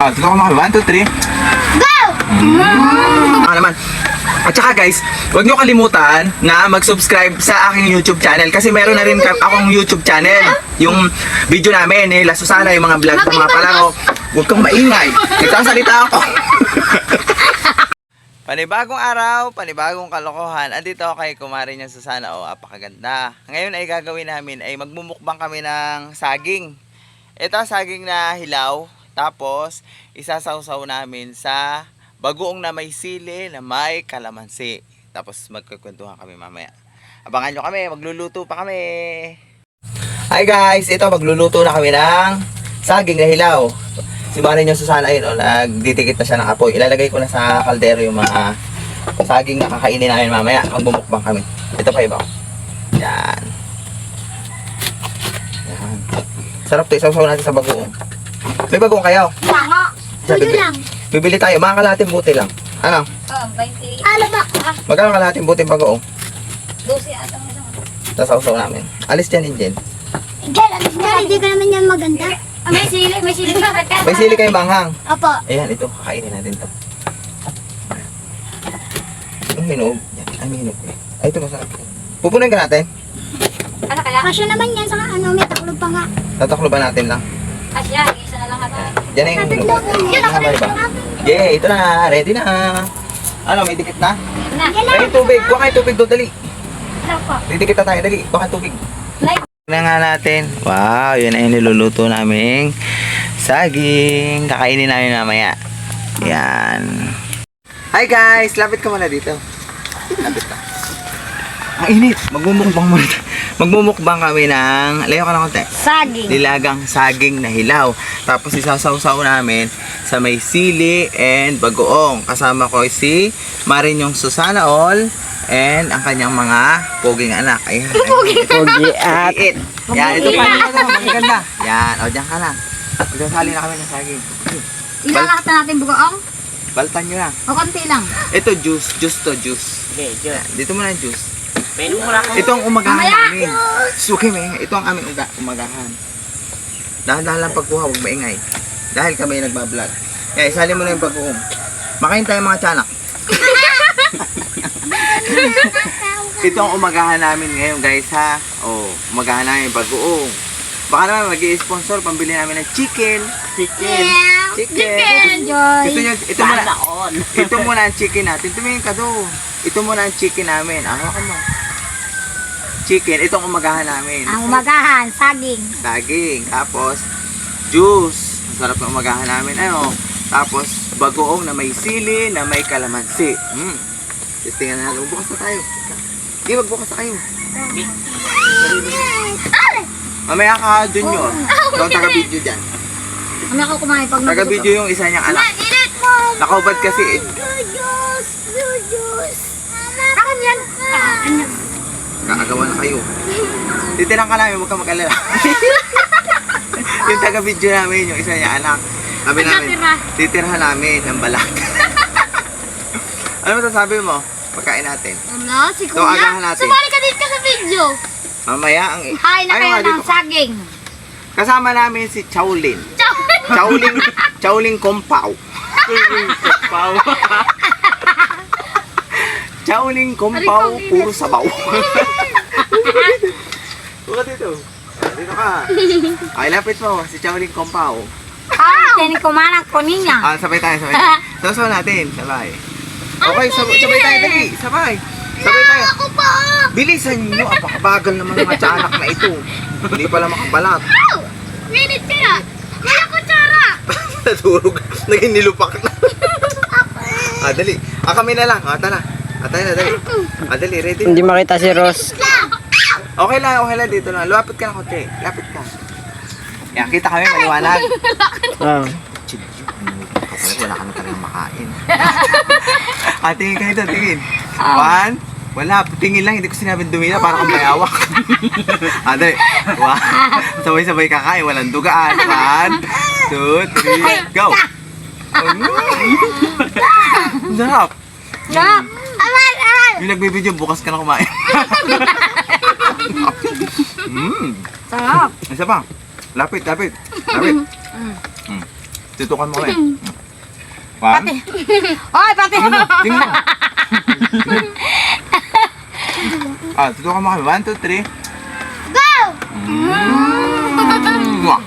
Sige ko mga 1, 2, 3. Go! Naman. At saka guys, huwag nyo kalimutan na mag-subscribe sa aking YouTube channel kasi meron na rin akong YouTube channel. Yung video namin, La Susana, yung mga vlog ng mga palaro. Huwag kang maingay. Nagsasalita ako. Panibagong araw, panibagong kalokohan. Andito ako kay Kumari niya Susana. O, apakaganda. Ngayon ay gagawin namin ay magmumukbang kami ng saging. Ito saging na hilaw. Tapos, isasawsaw namin sa bagoong na may sili na may kalamansi. Tapos magkukwentuhan kami mamaya. Abangan nyo kami, magluluto pa kami. Hi guys, ito magluluto na kami ng saging na hilaw. Si Mari niya Susana ayun, nagdidikit na siya ng apoy. Ilalagay ko na sa kaldero yung mga saging na kakainin namin mamaya. Magbumukbang kami. Ito pa iba. Yan. Yan. Sarap to, isaw-saw natin sa bagoong. May bagoong kayo? Baka. Tulo lang. Bibili tayo, mga kalahating buti lang. Ano? Oh, 20. Ano ba? Magkano kalahating buti bagoong? 12 atang isang. Sasaw-saw namin. Alis dyan, Injen. Diyan, hindi ka naman yan maganda. Ah, may sili pa. May sili kayong manghang. Opo. Ayan, ito. Kakainin natin to. Ang hinog. Yan, ang hinog. Ay, ito masarap. Pupunin ka natin. Ano kaya? Kasya naman yan sa ano, may taklob pa nga. Tatakloban natin lang. Asya, isa na lang ata. Diyan na yung hinog. Yan ako Tama ba? Yeah, ito na. Ready na. Ano, may dikit na? Na. Ay, tubig. Kuha kayo tubig doon, dali. Ano po? Didikit na tayo, dali. Kuha kayo tubig. Like. Na nga natin. Wow, yun na yung niluluto naming saging. Kakainin namin mamaya. Yan. Hi guys! Lapit ka muna dito. Lapit ka. Ang init. Magmumukbang muna. Magmumukbang kami ng, layo ka lang konti. Saging. Nilagang saging na hilaw. Tapos isasawsaw namin sa may sili and bagoong. Kasama ko si Marinyong Susana All and ang kanyang mga poging anak. Ayan. Pogi at yan, ito pa ito. Magaganda. Yan, o dyan ka lang. Magsasali na kami ng saging. Ilalakad na natin bugoong. Baltan nyo na. O konti lang. Ito juice. Juice to juice. Okay, Diyos. Yan, dito muna yung juice. Pwede mo lang. Ito ang umagahan Mamaya. namin. Suki may, ito ang aming umagahan. Dahan-dahan lang pagkuha, huwag maingay. Dahil kami nagbablog. Kaya isali mo na yung bagoong. Makain tayo mga tiyanak. Ito ang umagahan namin ngayon guys ha. Oh, umagahan namin yung bagoong. Baka naman mag-i-sponsor, pambili namin ng chicken. Chicken. Chicken. Enjoy. Gusto nyo, ito muna. Sana all. Ito muna ang chicken natin. Tumingin ka doon. Ito muna ang chicken namin. Hawakan mo. Chicken. Itong umagahan namin. Ang umagahan, saging. Daging. Tapos, juice. Ang sarap ng umagahan namin. Ano? Tapos, bagoong na may sili, na may kalamansi. Testingan na natin. Magbukas na tayo. Hindi, magbukas na kayo. Mamaya ka, Junior. Ikaw ang taga-video dyan. Kami ako kumain pag Taga-video yung isa niyang anak. Nakaubad kasi. Akin yan. Kaagawa na kayo. Titirang ka namin, huwag ka mag-alala. Yung taga-video namin, yung isa niya anak. Sabi namin, titirhan namin ang balat. Ano masasabi mo? Pagkain natin. Ano, si Ito, agahan natin. Sumali ka dito sa video. Mamaya ang... Hain na Ay, kayo nga, ng dito. saging. Kasama namin si Chowlin. Chowling Kompao. Chowling Kompao, puro sabaw. Buka dito. Dito ka. Ay, lapit mo. Si Chowling Kompao. Tinig kumanang kunin niya. Sabay tayo. Sasaw natin. Sabay. Okay, sabay tayo. Dali. Sabay tayo. Ako pa! Bilisan nyo. Apakabagal naman ng mga tiyanak na ito. Hindi pala makabalat. Ow! Minute kaya! Kaya kutsara! Naturog. Naging nilupak na. Dali. Kami na lang. Tara. Tayo na, dali. Dali, ready? Hindi makita si Ross. Okay lang. Dito lang. Lapit ka na konti. Lapit ka. Yan, kita kami. Maliwanag. Ah. Wala ka na talagang makain. Tingin ka dito. Tingin. One. Wala. Tingin lang. Hindi ko sinabing dumila para kang mayawak. Dali. One. Sabay-sabay kakain. Walang dugaan. 1, 2, 3. Go. Sarap. Sarap. Yung nagbibideo, bukas ka na kumain. Sarap. Isa pa. Lapit. Tutukan mo kami. One. Oy, pati! Tingnan mo. Tutukan mo kami. 1, 2, 3. Go! Mwah.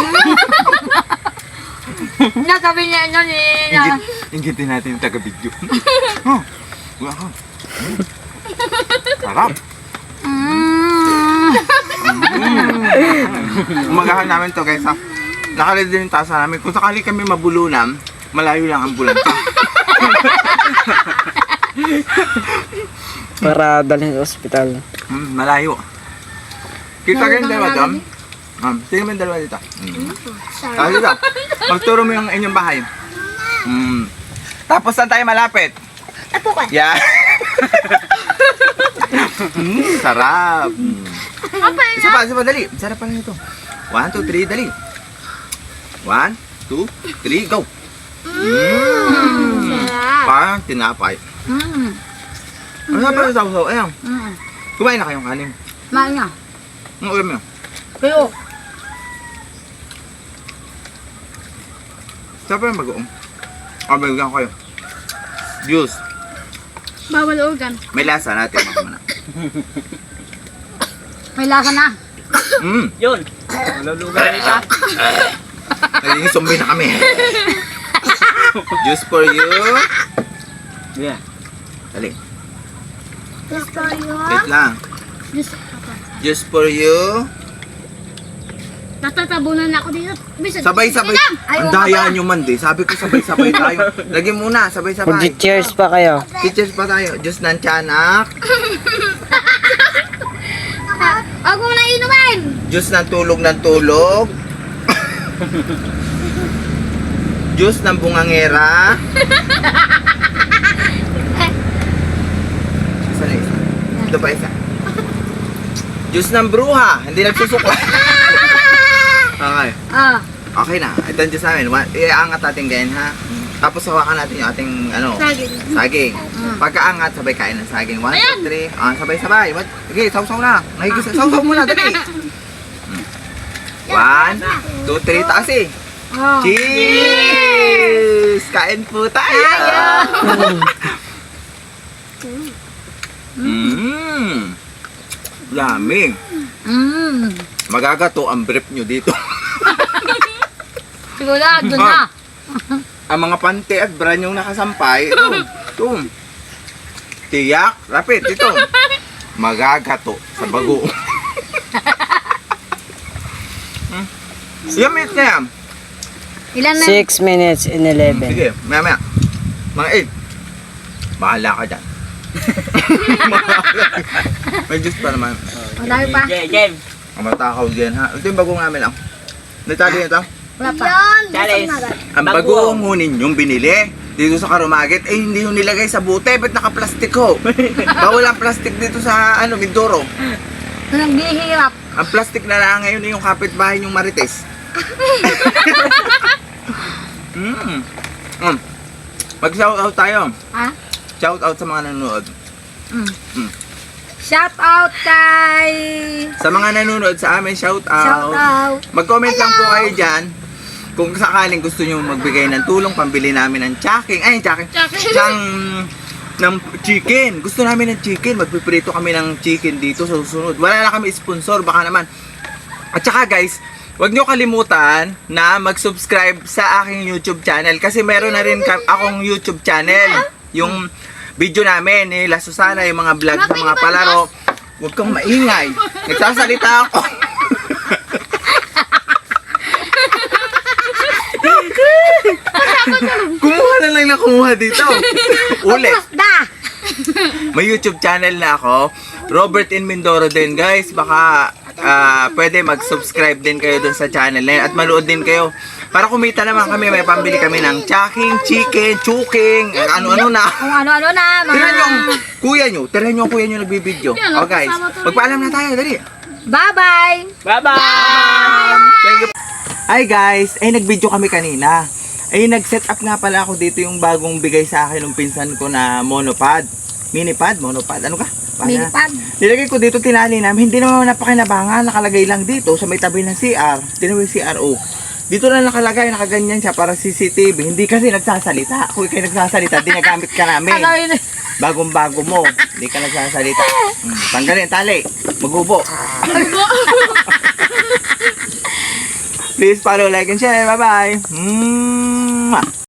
Nasabi niya ano ni... Ingitin natin yung taga-video. Oh. Wow. Sarap. Umagahan namin to guys ha. Nakalid din yung tasa namin. Kung sakali kami mabulunan, malayo lang ang bulanta. Para dalhin sa ospital. Malayo. Kita kayo yung dalawa doon. Tingnan mo yung dalawa dito. Dito. Magturo mo yung inyong bahay. Tapos saan tayo malapit? Tapukan. Yeah. Sarap. Isa pa, dali. Sarap pa lang ito. 1, 2, 3, dali. 1, 2, 3, go. Parang tinapay. Ano na pala saw-saw? Ayan. Kumain na kayong kanin. Main na. Ang ulam nyo. Kayo. Saan pa yung mag-uong? Bigyan ko kayo. Juice. Bawal organ. May lasa natin. Muna. May lasa na. Yun. Malulugan nila. Naging zombie na kami. Juice for you. Yeah. Dali. Just for you. Wait lang. Juice for you. Natatabunan na ako dito. Bisa, Sabay-sabay. Ang daya nyo man di. Sabi ko sabay-sabay tayo. Lagyan muna, sabay-sabay. Mag-cheers pa kayo. Teachers pa tayo. Diyos ng tiyanak. Huwag mo na inumin. Diyos ng tulog. Diyos ng bungangera. Isa na isa. Ito pa isa. Diyos ng bruha. Hindi nagsusuko. Okay. Okay na. Ito ang Diyos namin. Iangat natin ganyan ha. Tapos hawakan natin yung ating saging. Pagkaangat, sabay kain ng saging. 1, 2, 3. Sabay-sabay. Okay, sausaw na. Sausaw muna, dali. 1, 2, 3, taas eh. Cheers! Kain po tayo! Lamig. Magagato ang brief nyo dito. Sigurado na. Ang mga pante at bra yung nakasampay, ito. Tiyak, rapid, ito. Magagato sa bago. Yumit na yan. Ilan na? 6 minutes and 11. Sige, maya. Mga 8. Bahala ka dyan. May juice pa naman. Madami pa. Jem. Ang matakaw din ha. Ito yung bagong namin lang. Natali nito. Wala pa. Challenge. Ang bagong hunin yung binili dito sa Karumagit, eh hindi yung nilagay sa bute. Ba't naka-plastic ho? Bawal ang plastic dito sa Mindoro. Naghihirap. Ang plastic na lang ngayon yung kapitbahay yung Marites. Mag-shoutout tayo. Ha? Shoutout sa mga nanonood. Shout out kay... Sa mga nanonood sa amin, shoutout. Shout out. Mag-comment lang po kayo dyan kung sakaling gusto nyo magbigay ng tulong pambili namin ng chaking. Ay, chaking. Ng chicken. Gusto namin ng chicken. Magpiprito kami ng chicken dito sa susunod. Wala na kami sponsor, baka naman. At saka guys, huwag nyo kalimutan na mag-subscribe sa aking YouTube channel kasi meron na rin akong YouTube channel. Yung video namin ni La Susana, yung mga vlog sa mga palaro. Huwag kang maingay. Nagsasalita ako. Kumuha na lang na kumuha dito. Ulit. May YouTube channel na ako. Robert in Mindoro din guys. Baka pwede mag-subscribe din kayo dun sa channel na yun. At manood din kayo. Para kumita naman kami, may pambili kami ng chaking, chicken, chuking, ano-ano na. Kung ano-ano na. Tirahan nyo ang kuya nyo. Tirahan nyo ang kuya nyo nagbibideo. O guys, magpaalam na tayo. Dali. Bye-bye. Bye-bye! Thank you. Hi guys, ay nag-video kami kanina. Ay nag-set up nga pala ako dito yung bagong bigay sa akin ng pinsan ko na monopod. Minipod? Monopod? Ano ka? Minipad. Nilagay ko dito, tinali namin. Hindi naman napakinabangan. Nakalagay lang dito sa may tabi ng CR. Tinawag CRO. Dito lang nakalagay, nakaganyan siya, parang CCTV. Hindi kasi nagsasalita. Kung kayo nagsasalita, dinagamit ka namin. Bagong-bago mo, hindi ka nagsasalita. Tanggalin, tali. Magubo. Please follow, like, and share. Bye-bye.